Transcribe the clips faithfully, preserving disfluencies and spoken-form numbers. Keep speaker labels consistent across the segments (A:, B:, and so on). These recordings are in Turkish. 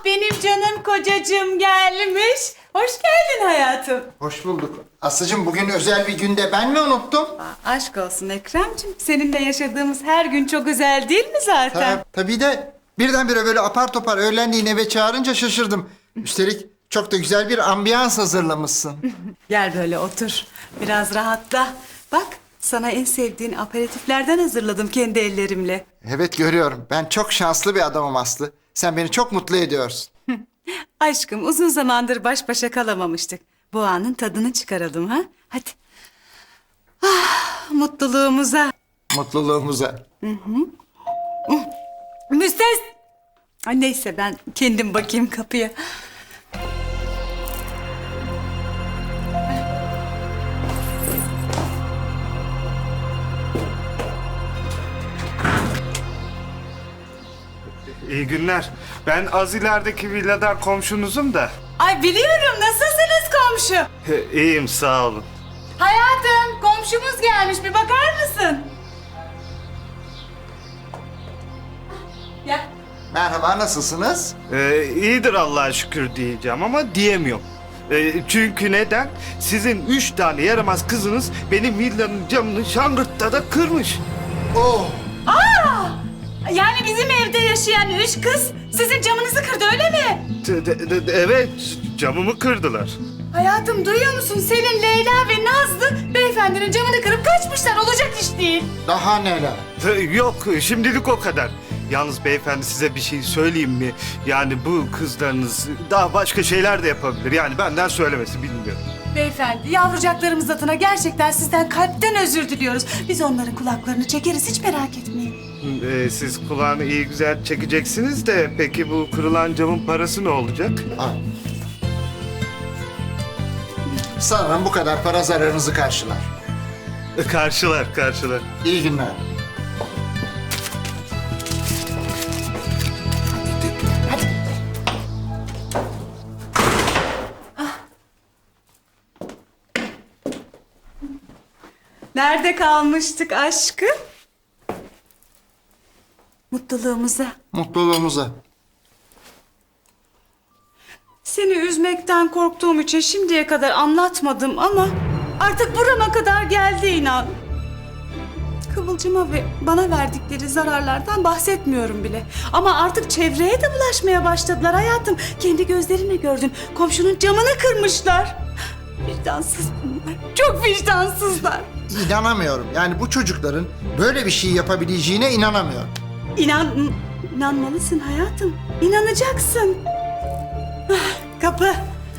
A: benim canım kocacığım gelmiş. Hoş geldin hayatım.
B: Hoş bulduk. Aslıcığım bugün özel bir günde ben mi unuttum?
A: Aa, aşk olsun Ekrem'cim. Seninle yaşadığımız her gün çok özel değil mi zaten?
B: Ta- tabii de birdenbire böyle apar topar öğlenleyin eve çağırınca şaşırdım. Üstelik çok da güzel bir ambiyans hazırlamışsın.
A: Gel böyle otur. Biraz rahatla. Bak sana en sevdiğin aperatiflerden hazırladım kendi ellerimle.
B: Evet görüyorum. Ben çok şanslı bir adamım Aslı. Sen beni çok mutlu ediyorsun.
A: Aşkım uzun zamandır baş başa kalamamıştık. Bu anın tadını çıkaralım ha. Hadi. Ah, mutluluğumuza.
B: Mutluluğumuza.
A: Müstes... Ay neyse ben kendim bakayım kapıya.
C: İyi günler. Ben az ilerideki villadan komşunuzum da.
A: Ay biliyorum nasılsınız komşu?
C: He, İyiyim sağ olun.
A: Hayatım komşumuz gelmiş bir bakar mısın? Ya
B: Merhaba, nasılsınız?
C: Ee, iyidir Allah'a şükür diyeceğim ama diyemiyorum. Ee, çünkü neden? Sizin üç tane yaramaz kızınız benim villanın camını şangırtta kırmış.
B: Oh!
A: yani bizim evde yaşayan üç kız sizin camınızı kırdı öyle mi?
C: De- de- de- evet, camımı kırdılar.
A: Hayatım duyuyor musun? Selin, Leyla ve Nazlı beyefendinin camını kırıp kaçmışlar. Olacak iş değil.
B: Daha neler?
C: Ee, Yok, şimdilik o kadar. Yalnız beyefendi size bir şey söyleyeyim mi? Yani bu kızlarınız daha başka şeyler de yapabilir. Yani benden söylemesi bilmiyorum.
A: Beyefendi yavrucaklarımız adına gerçekten sizden kalpten özür diliyoruz. Biz onların kulaklarını çekeriz hiç merak etmeyin.
C: Ee, siz kulağını iyi güzel çekeceksiniz de peki bu kırılan camın parası ne olacak?
B: Al. Sanırım bu kadar para zararınızı karşılar.
C: Ee, Karşılar, karşılar.
B: İyi günler.
A: Nerede kalmıştık aşkım? Mutluluğumuza.
B: Mutluluğumuza.
A: Seni üzmekten korktuğum için şimdiye kadar anlatmadım ama artık burama kadar geldi inan. Kıvılcıma ve bana verdikleri zararlardan bahsetmiyorum bile. Ama artık çevreye de bulaşmaya başladılar hayatım. Kendi gözlerinle gördün. Komşunun camını kırmışlar. Vicdansız bunlar. Çok vicdansızlar.
B: İnanamıyorum. Yani bu çocukların böyle bir şey yapabileceğine inanamıyorum.
A: İnan, inanmalısın hayatım. İnanacaksın. Ah, kapı.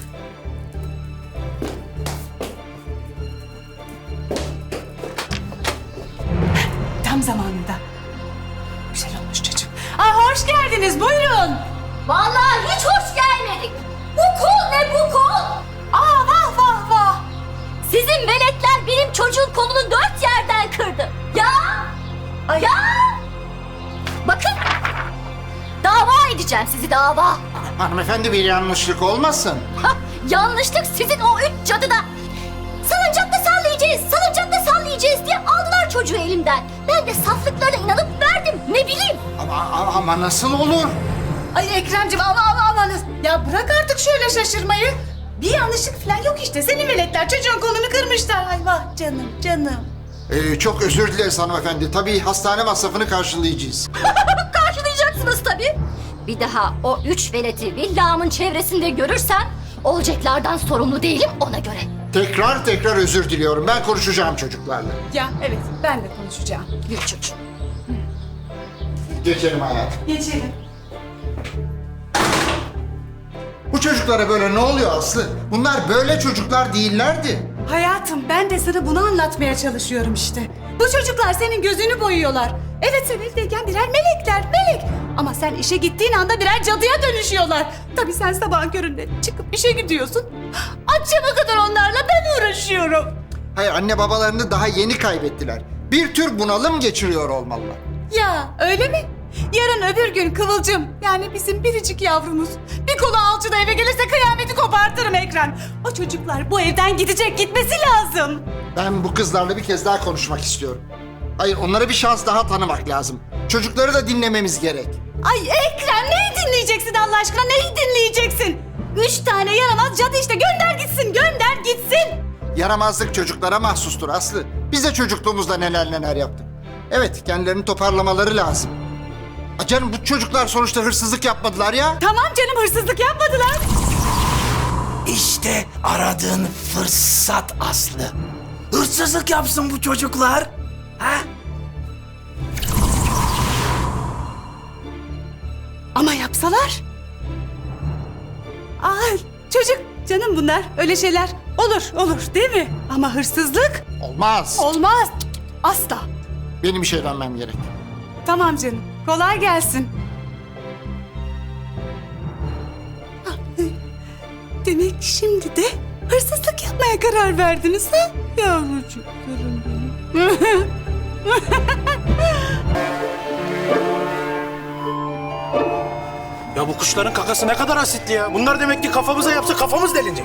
A: Tam zamanında. Güzel olmuş çocuk. Aa, hoş geldiniz. Buyurun.
D: Vallahi hiç hoş gelmedik. Bu kol ne bu kol?
A: Aa, vah vah vah.
D: Sizin veletler benim çocuğun kolunu dört yerden kırdı. Ya!
A: Ay.
D: Ya! Bakın! Dava edeceğim sizi dava.
B: Hanımefendi bir yanlışlık olmasın.
D: Hah, yanlışlık sizin o üç cadı da. Salıncakta sallayacağız, salıncakta sallayacağız diye aldılar çocuğu elimden. Ben de saflıklarına inanıp verdim. Ne bileyim.
B: Ama, ama, ama nasıl olur?
A: Ay Ekremciğim ama ama amanız. Ya bırak artık şöyle şaşırmayı. Bir yanlışlık falan yok işte. Senin veletler çocuğun kolunu kırmışlar. Ay vah canım canım.
B: Ee, çok özür dileriz hanımefendi. Tabii hastane masrafını karşılayacağız.
D: Karşılayacaksınız tabii. Bir daha o üç veleti villamın çevresinde görürsem olacaklardan sorumlu değilim ona göre.
B: Tekrar tekrar özür diliyorum. Ben konuşacağım çocuklarla.
A: Ya evet ben de konuşacağım.
D: Yürü çocuğum.
B: Geçelim hayatım.
A: Geçelim.
B: Bu çocuklara böyle ne oluyor Aslı? Bunlar böyle çocuklar değillerdi.
A: Hayatım ben de sana bunu anlatmaya çalışıyorum işte. Bu çocuklar senin gözünü boyuyorlar. Evet sen evdeyken birer melekler, melek. Ama sen işe gittiğin anda birer cadıya dönüşüyorlar. Tabii sen sabahın köründe çıkıp işe gidiyorsun. Akşama kadar onlarla ben uğraşıyorum.
B: Hayır, anne babalarını daha yeni kaybettiler. Bir tür bunalım geçiriyor olmalılar.
A: Ya öyle mi? Yarın öbür gün Kıvılcım yani bizim biricik yavrumuz bir kolu alçıda eve gelirse kıyameti kopartırım Ekrem. O çocuklar bu evden gidecek, gitmesi lazım.
B: Ben bu kızlarla bir kez daha konuşmak istiyorum. Hayır, onlara bir şans daha tanımak lazım. Çocukları da dinlememiz gerek.
A: Ay Ekrem, neyi dinleyeceksin Allah aşkına? Neyi dinleyeceksin? Üç tane yaramaz cadı işte. Gönder gitsin, gönder gitsin.
B: Yaramazlık çocuklara mahsustur Aslı. Biz de çocukluğumuzda neler neler yaptık. Evet, kendilerini toparlamaları lazım. Aa, canım bu çocuklar sonuçta hırsızlık yapmadılar ya.
A: Tamam canım, hırsızlık yapmadılar.
E: İşte aradığın fırsat Aslı. Hırsızlık yapsın bu çocuklar. Ha?
A: Ama yapsalar? Aa, çocuk canım bunlar. Öyle şeyler olur, olur değil mi? Ama hırsızlık
B: Olmaz.
A: olmaz. Asla.
B: Benim işe dönmem gerek.
A: Tamam canım. Kolay gelsin. Demek şimdi de hırsızlık yapmaya karar verdiniz ha? Yavrucuklarım benim.
E: Ya bu kuşların kakası ne kadar asitli ya. Bunlar demek ki kafamıza yapsa kafamız delinecek.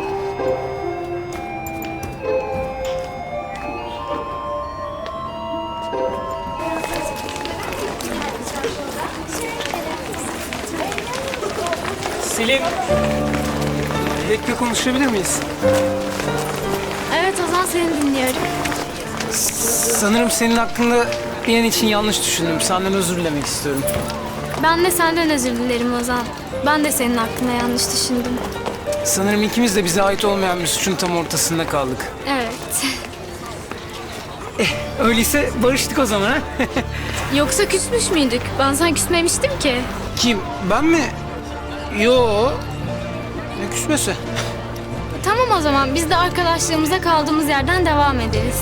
F: Selin, bir dakika konuşabilir miyiz?
D: Evet Ozan, seni dinliyorum.
F: Sanırım senin hakkında bir an için yanlış düşündüm. Senden özür dilemek istiyorum.
G: Ben de senden özür dilerim Ozan. Ben de senin hakkında yanlış düşündüm.
F: Sanırım ikimiz de bize ait olmayan bir suçun tam ortasında kaldık.
G: Evet.
F: Öyleyse barıştık o zaman ha?
G: Yoksa küsmüş müydük? Ben sana küsmemiştim ki.
F: Kim? Ben mi? Yo. Ne küsmesi?
G: Tamam o zaman biz de arkadaşlığımıza kaldığımız yerden devam ederiz.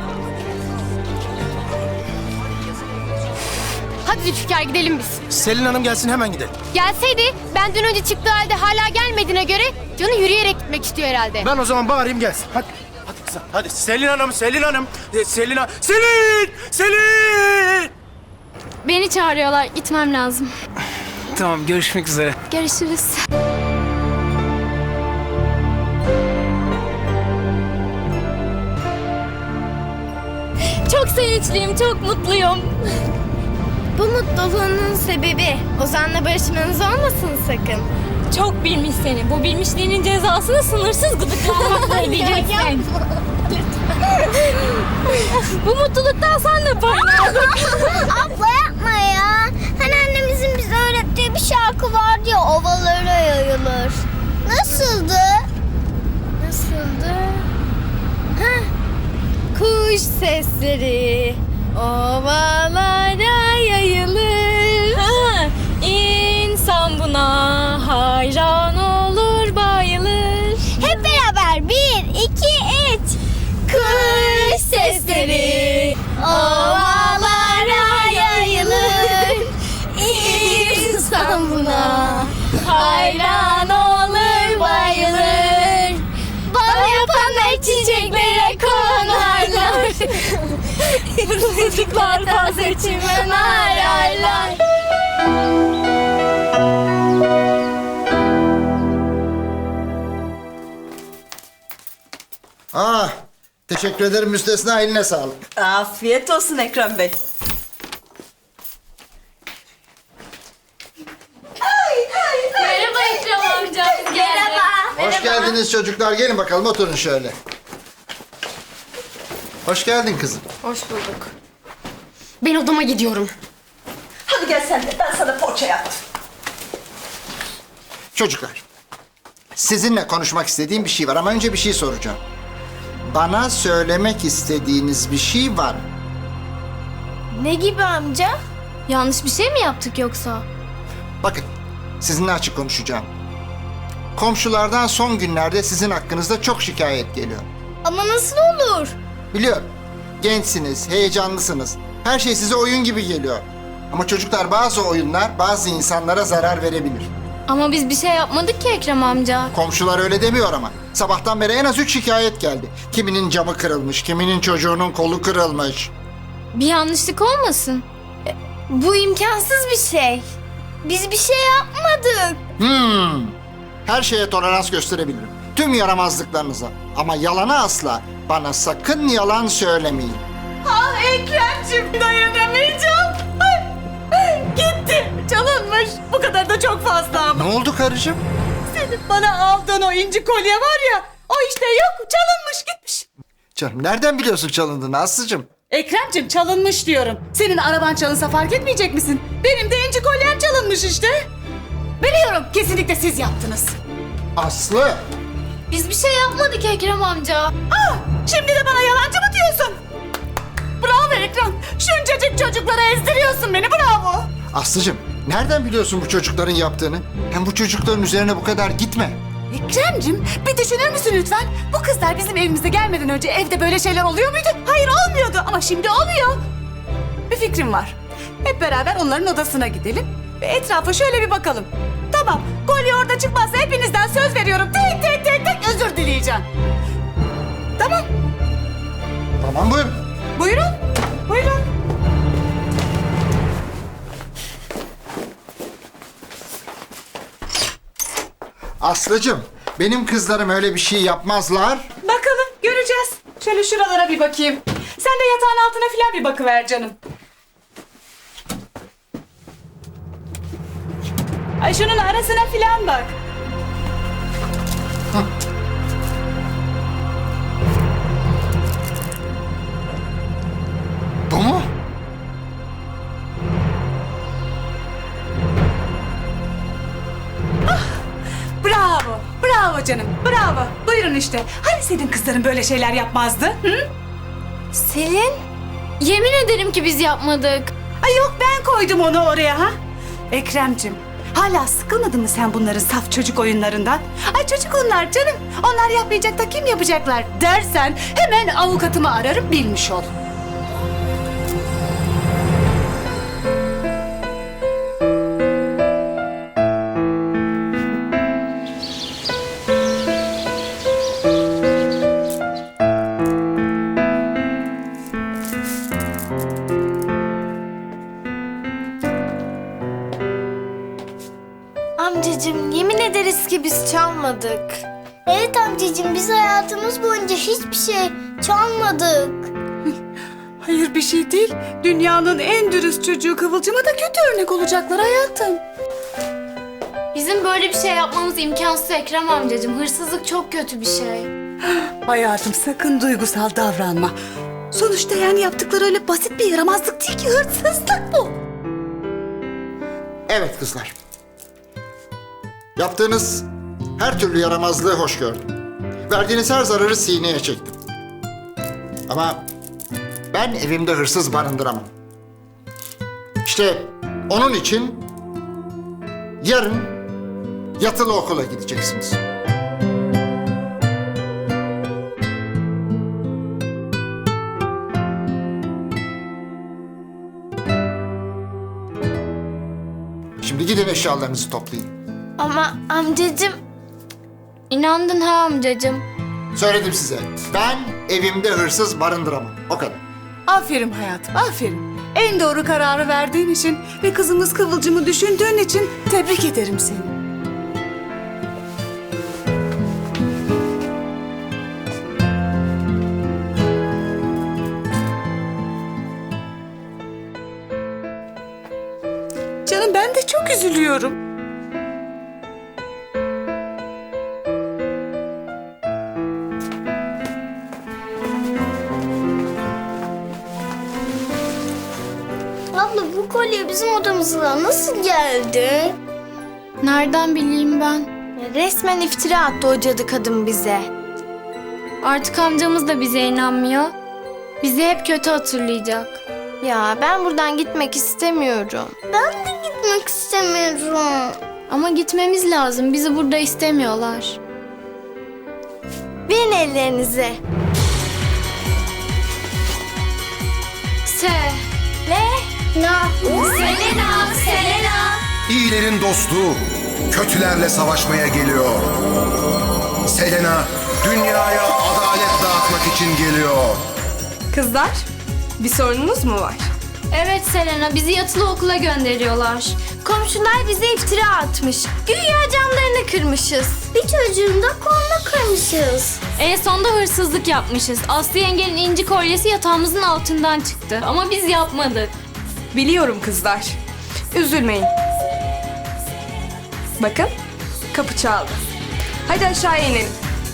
H: Hadi Zülfikar, gidelim biz.
E: Selin Hanım gelsin hemen gidelim.
H: Gelseydi, benden önce çıktığı halde hala gelmediğine göre canı yürüyerek gitmek istiyor herhalde.
E: Ben o zaman bağırayım gelsin. Hadi. Hadi kızım. Hadi Selin Hanım, Selin Hanım. E, Selin Hanım. Selin! Selin!
G: Beni çağırıyorlar. Gitmem lazım.
F: Tamam, görüşmek üzere.
G: Görüşürüz.
H: Çok sevinçliyim, çok mutluyum. Bu mutluluğunun sebebi Ozan'la barışmanız olmasın sakın.
G: Çok bilmiş seni. Bu bilmişliğinin cezasını sınırsız gıdıklamakla ödeyeceksin.
H: Bu mutluluktan sen de paylaşın.
D: Abla yapma ya. Hani annemizin bize öğrettiği bir şarkı vardı ya, ovalara yayılır. Nasıldı?
H: Nasıldı? Heh. Kuş sesleri ovalara yayılır.
G: Ha, İnsan buna hayran olur, bayılır.
D: Hep beraber bir, iki, üç.
H: Kuş sesleri ovalara yayılır. İnsan buna hayran olur, bayılır. Bal yapanlar çiçeklere konarlar. Çocuklar taze çimen ararlar.
B: Ah, teşekkür ederim müstesna, eline sağlık.
I: Afiyet olsun Ekrem Bey.
H: Merhaba Ekrem amca. Merhaba.
B: Hoş geldiniz çocuklar, gelin bakalım oturun şöyle. Hoş geldin kızım.
H: Hoş bulduk. Ben odama gidiyorum.
I: Hadi gel sen de, ben sana poğaça yaptım.
B: Çocuklar, sizinle konuşmak istediğim bir şey var ama önce bir şey soracağım. Bana söylemek istediğiniz bir şey var mı?
H: Ne gibi amca?
G: Yanlış bir şey mi yaptık yoksa?
B: Bakın, sizinle açık konuşacağım. Komşulardan son günlerde sizin hakkınızda çok şikayet geliyor.
H: Ama nasıl olur?
B: Biliyorum, gençsiniz, heyecanlısınız. Her şey size oyun gibi geliyor. Ama çocuklar, bazı oyunlar bazı insanlara zarar verebilir.
G: Ama biz bir şey yapmadık ki Ekrem amca.
B: Komşular öyle demiyor ama. Sabahtan beri en az üç şikayet geldi. Kiminin camı kırılmış, kiminin çocuğunun kolu kırılmış.
G: Bir yanlışlık olmasın?
H: Bu imkansız bir şey. Biz bir şey yapmadık.
B: Hmm. Her şeye tolerans gösterebilirim. Tüm yaramazlıklarınıza. Ama yalana asla. Bana sakın yalan söylemeyin.
A: Ah Ekrem'cim dayanamayacağım. Ay, ay, gitti. Çalınmış. Bu kadar da çok fazla ama.
B: Ne oldu karıcığım?
A: Senin bana aldığın o inci kolye var ya. O işte yok. Çalınmış gitmiş.
B: Canım nereden biliyorsun çalındığını Aslı'cığım?
A: Ekrem'cim çalınmış diyorum. Senin araban çalınsa fark etmeyecek misin? Benim de inci kolyem çalınmış işte. Biliyorum kesinlikle siz yaptınız.
B: Aslı!
H: Biz bir şey yapmadık Ekrem amca.
A: Ah, şimdi de bana yalancı mı diyorsun? Bravo Ekrem. Şuncacık çocuklara ezdiriyorsun beni bravo.
B: Aslı'cığım nereden biliyorsun bu çocukların yaptığını? Hem bu çocukların üzerine bu kadar gitme.
A: Ekrem'cim bir düşünür müsün lütfen? Bu kızlar bizim evimize gelmeden önce evde böyle şeyler oluyor muydu? Hayır olmuyordu ama şimdi oluyor. Bir fikrim var. Hep beraber onların odasına gidelim ve etrafa şöyle bir bakalım. Tamam, kolye orada çıkmazsa hepinizden söz veriyorum. Tek tek tek tek özür dileyeceğim. Tamam,
B: Tamam buyurun.
A: buyurun, buyurun.
B: Aslı'cığım benim kızlarım öyle bir şey yapmazlar.
A: Bakalım, göreceğiz. Şöyle şuralara bir bakayım. Sen de yatağın altına filan bir bakıver canım. Ay şunun arasına filan bak.
B: Bu mu?
A: Bravo, bravo canım, bravo. Buyurun işte. Hani senin kızların böyle şeyler yapmazdı? Hı?
H: Selin, yemin ederim ki biz yapmadık.
A: Ay yok ben koydum onu oraya ha. Ekrem'cim, hala sıkılmadın mı sen bunların saf çocuk oyunlarından? Ay çocuk onlar canım. Onlar yapmayacak da kim yapacaklar dersen hemen avukatımı ararım bilmiş ol.
H: Amcacığım, yemin ederiz ki biz çalmadık. Evet amcacığım, biz hayatımız boyunca hiçbir şey çalmadık.
A: Hayır bir şey değil. Dünyanın en dürüst çocuğu Kıvılcım'a da kötü örnek olacaklar hayatım.
H: Bizim böyle bir şey yapmamız imkansız Ekrem amcacığım. Hırsızlık çok kötü bir şey.
A: Hayatım sakın duygusal davranma. Sonuçta yani yaptıkları öyle basit bir yaramazlık değil ki hırsızlık bu.
B: Evet kızlar. Yaptığınız her türlü yaramazlığı hoş gördüm. Verdiğiniz her zararı sineye çektim. Ama ben evimde hırsız barındıramam. İşte onun için yarın yatılı okula gideceksiniz. Şimdi gidin eşyalarınızı toplayın.
H: Ama amcacığım... İnandın ha amcacığım.
B: Söyledim size. Ben evimde hırsız barındıramam. O kadar.
A: Aferin hayatım, aferin. En doğru kararı verdiğin için ve kızımız Kıvılcım'ı düşündüğün için tebrik ederim seni. Canım ben de çok üzülüyorum.
H: Abla bu kolye bizim odamıza nasıl geldi? Nereden bileyim ben? Resmen iftira attı o cadı kadın bize.
G: Artık amcamız da bize inanmıyor. Bizi hep kötü hatırlayacak.
H: Ya ben buradan gitmek istemiyorum. Ben de gitmek istemiyorum.
G: Ama gitmemiz lazım. Bizi burada istemiyorlar.
H: Verin ellerinizi.
G: Se.
H: Le. Na. Selena. Selena.
J: İyilerin dostu, kötülerle savaşmaya geliyor. Selena, dünyaya adalet dağıtmak için geliyor.
K: Kızlar, bir sorununuz mu var?
H: Evet Selena, bizi yatılı okula gönderiyorlar. Komşular bize iftira atmış. Güya camlarını kırmışız. Bir çocuğun da kolunu kırmışız.
G: En sonunda hırsızlık yapmışız. Aslı yengenin inci kolyesi yatağımızın altından çıktı. Ama biz yapmadık.
K: Biliyorum kızlar. Üzülmeyin. Bakın, kapı çaldı. Hadi aşağıya inelim.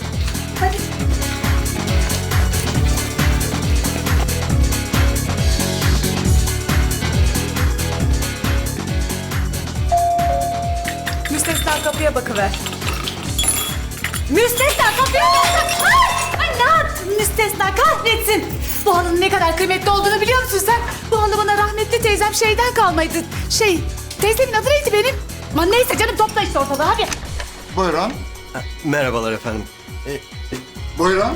A: Müstesna kapıya bakıver. Müstesna kapıya bak! Ay, ay ne yaptın Müstesna, kahretsin! Bu halının ne kadar kıymetli olduğunu biliyor musun sen? Bu halı bana rahmetli teyzem şeyden kalmaydı. Şey, teyzemin adı neydi benim? Aman neyse canım, topla işte ortalığı hadi.
B: Buyurun.
E: Merhabalar efendim.
B: Buyurun.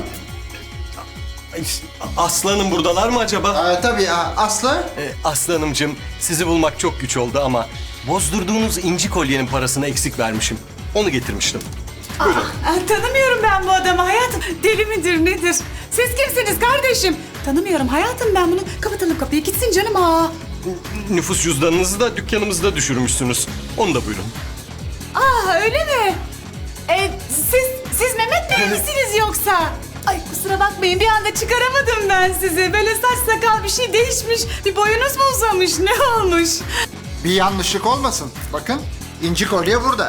E: Aslı Hanım buradalar mı acaba?
B: Aa, tabii aa, Aslı.
E: Ee, Aslı Hanımcığım, sizi bulmak çok güç oldu ama bozdurduğunuz inci kolyenin parasını eksik vermişim. Onu getirmiştim.
A: Aa, tanımıyorum ben bu adamı hayatım. Deli midir nedir? Siz kimsiniz kardeşim? Tanımıyorum hayatım ben bunu. Kapatalım kapıyı, gitsin canım aa.
E: Nüfus cüzdanınızı da dükkanımızda düşürmüşsünüz. Onu da buyurun.
A: Aa öyle mi? E, siz, siz Mehmet Bey misiniz yoksa? Ay kusura bakmayın, bir anda çıkaramadım ben sizi. Böyle saç sakal bir şey değişmiş. Bir boyunuz mu uzamış, ne olmuş?
B: Bir yanlışlık olmasın. Bakın inci kolye burada.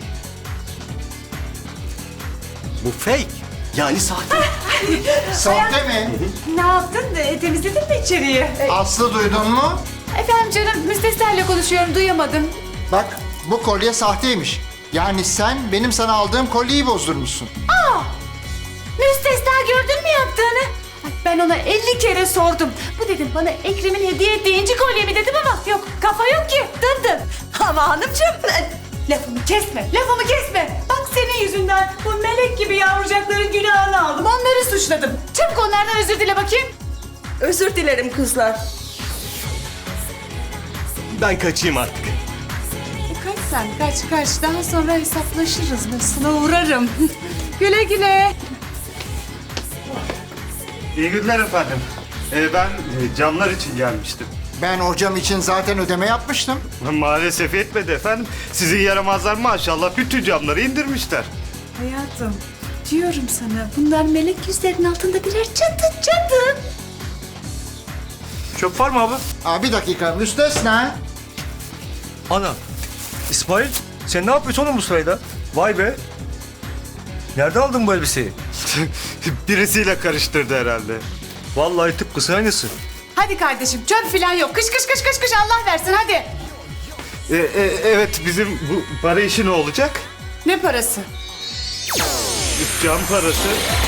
E: Bu fake. Yani sahte.
B: Sahte mi?
A: Ne yaptın? E, temizledin mi içeriği?
B: Aslı duydun mu?
A: Efendim canım, müstesnayla konuşuyorum, duyamadım.
B: Bak bu kolye sahteymiş. Yani sen benim sana aldığım kolyeyi bozdurmuşsun.
A: Müstesna gördün mü yaptığını? Ay, ben ona elli kere sordum. Bu dedim bana Ekrem'in hediye ettiği inci kolye mi dedim ama yok, kafa yok ki. Dındım. Ama hanımcığım, e, lafımı kesme, lafımı kesme. Bak senin yüzünden bu melek gibi yavrucakların günahını aldım. Onları suçladım. Çabuk onlardan özür dile bakayım.
I: Özür dilerim kızlar.
E: Ben kaçayım artık.
A: E, kaç sen, kaç kaç. Daha sonra hesaplaşırız. Ben sana uğrarım. Güle güle.
C: İyi günler efendim. Ee, ben e, camlar için gelmiştim.
B: Ben hocam için zaten ödeme yapmıştım.
C: Maalesef yetmedi efendim. Sizin yaramazlar maşallah bütün camları indirmişler.
A: Hayatım, diyorum sana bunlar melek yüzlerinin altında birer çatı çatı.
E: Çöp var mı abi?
B: Aa, bir dakika müstesna.
L: Ana, İsmail sen ne yapıyorsun oğlum bu sırayda? Vay be. Nerede aldın bu elbiseyi?
C: Birisiyle karıştırdı herhalde.
L: Vallahi tıpkısı aynısı.
A: Hadi kardeşim, çöp falan yok. Kış kış kış kış kış, Allah versin hadi.
C: Ee, e, evet bizim bu para işi ne olacak?
A: Ne parası?
C: Cam parası.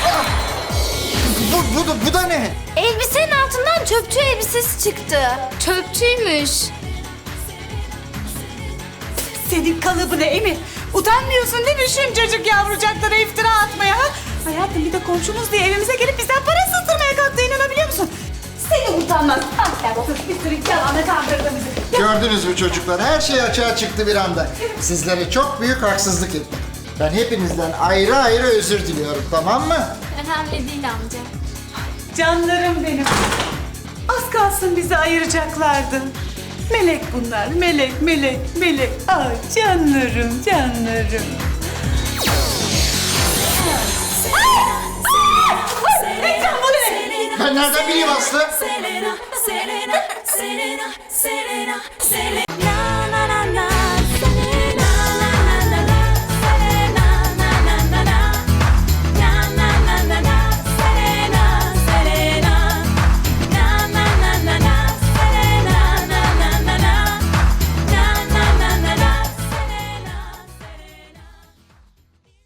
B: Bu, bu, da, bu da ne?
H: Elbisenin altından çöpçü elbisesi çıktı.
G: Çöpçüymüş.
A: Senin kalıbına Emi. Utanmıyorsun değil mi şuncacık yavrucaklara iftira atmaya ha? Hayatım bir de komşumuz diye evimize gelip bizden para sızdırmaya kalktı, inanabiliyor musun? Seni utanmaz. Ah gel otur, bir sürü yalanla kandırdı bizi.
B: Gördünüz mü çocuklar? Her şey açığa çıktı bir anda. Sizlere çok büyük haksızlık ettim. Ben hepinizden ayrı ayrı özür diliyorum, tamam mı?
G: Önemli değil amca.
A: Canlarım benim. Az kalsın bizi ayıracaklardı. Melek bunlar, melek, melek, melek. Ay canlarım, canlarım. Ekrem bu ne?
B: Ben nereden bileyim Aslı?
D: Selena, Selena, Selena, Selena, Selena.